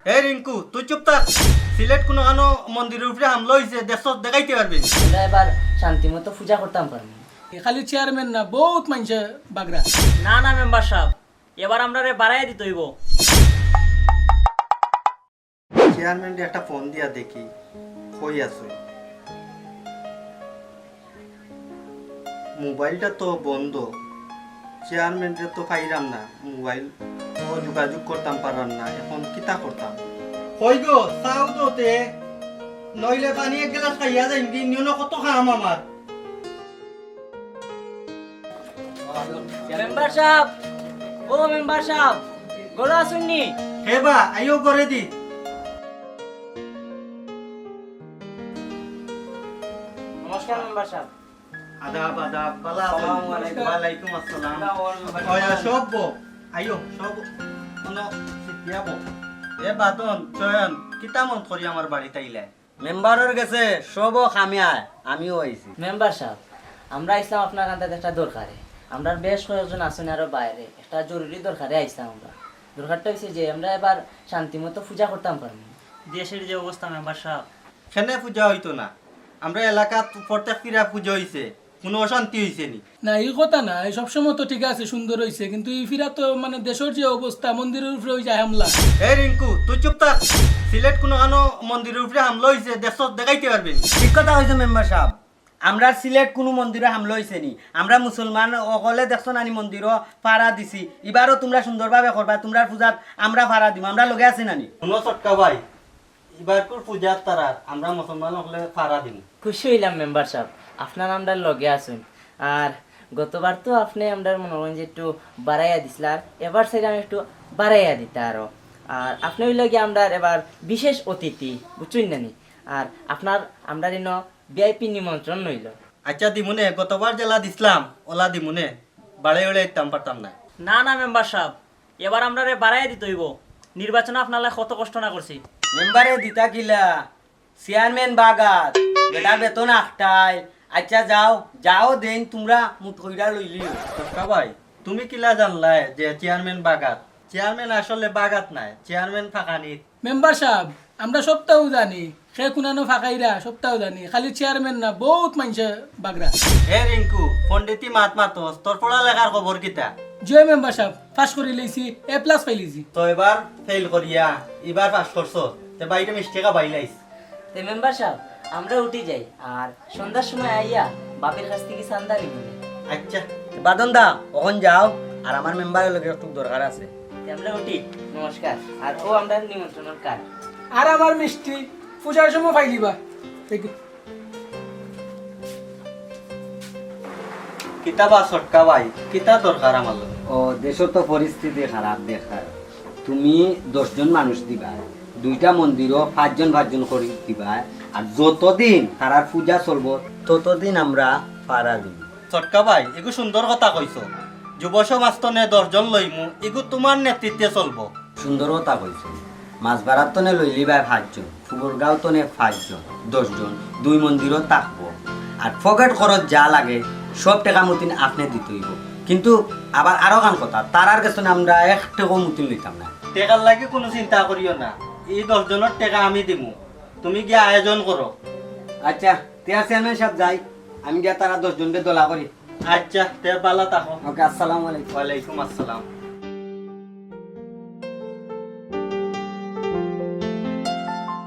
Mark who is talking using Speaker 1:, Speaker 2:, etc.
Speaker 1: এই রিঙ্কু তুই চুপ থাক। সিলেট কোনো আনো মন্দিরের উপরে হামলা হয়েছে দেশ দেখাইতে পারবি?
Speaker 2: আমরা এবার শান্তি মতো পূজা করতাম পারবো।
Speaker 3: খালি চেয়ারম্যান না বহুত মানুষে বাগরা।
Speaker 4: না না মেম্বার সাহেব, এবার আমরা বাড়াই দিতে হইব।
Speaker 1: চেয়ারম্যান একটা ফোন দিয়া দেখি কই আছে। মোবাইলটা তো বন্ধ, চেয়ারম্যানটা তো পাইলাম না, মোবাইল তো যোগাযোগ করতাম পারলাম না, এখন কিতা করতাম? কই গো চাও তো তে, নইলে পানি এক গ্লাস খাইয়া যাইম কি নিউন কত খাম আমার।
Speaker 4: মেম্বার সাহেব, ও মেম্বার সাহেব, গোলা শুননি?
Speaker 1: হে বা আইও করে দি।
Speaker 4: নমস্কার মেম্বার সাহেব।
Speaker 1: আদাব আদাব, বালা আছেন?
Speaker 4: আসসালামু আলাইকুম।
Speaker 1: ওয়ালাইকুম আসসালাম। ওয়া সব বো আইও সব কোনো সিটিয়া বো। এ বাদন চয়ন কিতা মন করি আমার বাড়িতে আইলে?
Speaker 5: মেম্বারের গেছে সব খামিয়ায় আমিও আইছি।
Speaker 2: মেম্বার সাহেব, আমরা আইসলাম আপনার কাছে একটা দরকারে। আমরা বেশ কয়েকজন আছেন আরো বাইরে, একটা জরুরি দরকারে আইসলাম আমরা। দরকারটা হচ্ছে যে আমরা এবার শান্তি মতো পূজা করতাম পারবো।
Speaker 4: দেশের যে অবস্থা মেম্বার সাহেব,
Speaker 1: সেনে পূজা হইতো না, আমরা এলাকাত প্রত্যেক ফিরা পুজো হইছে, কোনো অশান্তি হইছে নি?
Speaker 3: না এই কথা না, এই সবসময় তো ঠিক আছে, সুন্দর হয়েছে, কিন্তু এই ফিরা তো মানে দেশের যে অবস্থা, মন্দিরের উপরে ওই যায় হামলা।
Speaker 1: এই রিঙ্কু তুই চুপ থাক। সিলেট কোনো আনো মন্দিরের উপরে হামলা হইছে দেশ দেখাইতে পারবি?
Speaker 5: ঠিক কথা হয়েছে মেম্বার সাহেব, আমরা সিলেট কোনো মন্দিরে হামলা হয়েছে নি, আমরা মুসলমান অকলে দেখছো নানি মন্দিরও ফাড়া দিছি, এবারও তোমরা সুন্দরভাবে করবা, তোমরা পূজাত আমরা ফাড়া দিব, আমরা লগে আছি নানি।
Speaker 1: কোনো চটকা ভাই, এবার পূজার তারার আমরা মুসলমান হলে ফাড়া দিন।
Speaker 2: খুশি হইলাম মেম্বার সাহেব, আপনার আমরা লগে আসুন। আর গতবার তো আপনি আমরা মনে করেন যে একটু বাড়াইয়া দিছিল, আর এবার সেটা আমি একটু বাড়াইয়া দিতে আরো। আর আপনি হইল গিয়ে আমরা এবার বিশেষ অতিথি, বুঝছেন নানি? আর আপনার আমরা যেন ভিআইপি নিমন্ত্রণ নইল।
Speaker 1: আচ্ছা দিমুনে, গতবার জেলা দিছিলাম ওলা দিমুনে, বাড়ে বাড়ে ইতাম পারতাম না।
Speaker 4: না না মেম্বার সাহেব, এবার আমরা বাড়াই দিতে হইব। নির্বাচনে আপনার কত কষ্ট না করছি।
Speaker 5: মেম্বারে দিতা কিলা চেয়ারম্যান বাগাত বেটা বেতন আখটাই। আচ্ছা যাও যাও দেন তোমরা মুঠ কইরা লইলিও।
Speaker 1: চটকা ভাই তুমি কিলা জানলাই যে চেয়ারম্যান বাগাত? চেয়ারম্যান আসলে বাগাত নাই, চেয়ারম্যান ফাঁকানিত।
Speaker 3: মেম্বার সাহেব, আমরা সপ্তাহ জানি, সে কুনানো ফাঁকাইরা সপ্তাহ জানি, খালি চেয়ারম্যান না বহুত মানুষে বাগরা।
Speaker 1: হে রিঙ্কু পন্ডিতি মাত মাতস, তোর পড়ালেখার খবর কিতা?
Speaker 3: জয় মেম্বার সাহেব, পাস করে লইছি, A+ পাইলিছি।
Speaker 1: তো এবার ফেল করিয়া এবার পাস করছ, তে বাইরে মিষ্টিকা বাইলাইস।
Speaker 2: তো মেম্বার সাহেব, আমরা উঠি যাই, আর সন্ধ্যার সময় আইয়া বাপের কাছ থেকে চান্দা নিব।
Speaker 1: আচ্ছা
Speaker 5: বাদন দা ওখান যাও, আর আমার মেম্বারের লগে একটু দরকার আছে।
Speaker 2: আমরা উঠি, নমস্কার। আর ও আমরা নিমন্ত্রণের কার্ড।
Speaker 3: আর আমার মিষ্টি পূজার সময় পাইলিবা।
Speaker 1: কিতা বা চটকা ভাই, কিতা দরকার আমার লগে?
Speaker 5: ও দেশের তো পরিস্থিতি খারাপ দেখার, তুমি 10 জন মানুষ দিবা, 2টা মন্দিরও 5 জন করে দিবা, আর যতদিন তারার পূজা চলবো ততদিন আমরা পাড়া দিব।
Speaker 1: চটকা ভাই এগু সুন্দর কথা কইছ, যুব সমাজ তো নে 10 জন লইমু, এগু তোমার নেতৃত্বে চলবো।
Speaker 5: সুন্দর কথা কইছো, মাছ ভাড়ার তো নে লইলি ভাই 5 জন, ফুবরগাঁও তো নে 5 জন, 10 জন, 2 মন্দিরও থাকবো, আর পকেট খরচ যা লাগে সব টাকা মতিন আপনি দিতে হইব। কিন্তু আবার আরো গান কথা, তারার কাছে আমরা 1 টাকাও মতিন লইতাম না।
Speaker 1: টেকার লাগে কোনো চিন্তা করিও না, এই 10 জনের টাকা আমি দিমু, তুমি গিয়া আয়োজন করো।
Speaker 5: আচ্ছা তিয়ার চেয়ারম্যান সাহেব যাই, আমি গিয়া তারা 10 জনকে দলা করি।
Speaker 1: আচ্ছা তে বালা থাকো।
Speaker 5: ওকে, আসসালামু আলাইকুম।
Speaker 1: ওয়ালাইকুম আসসালাম।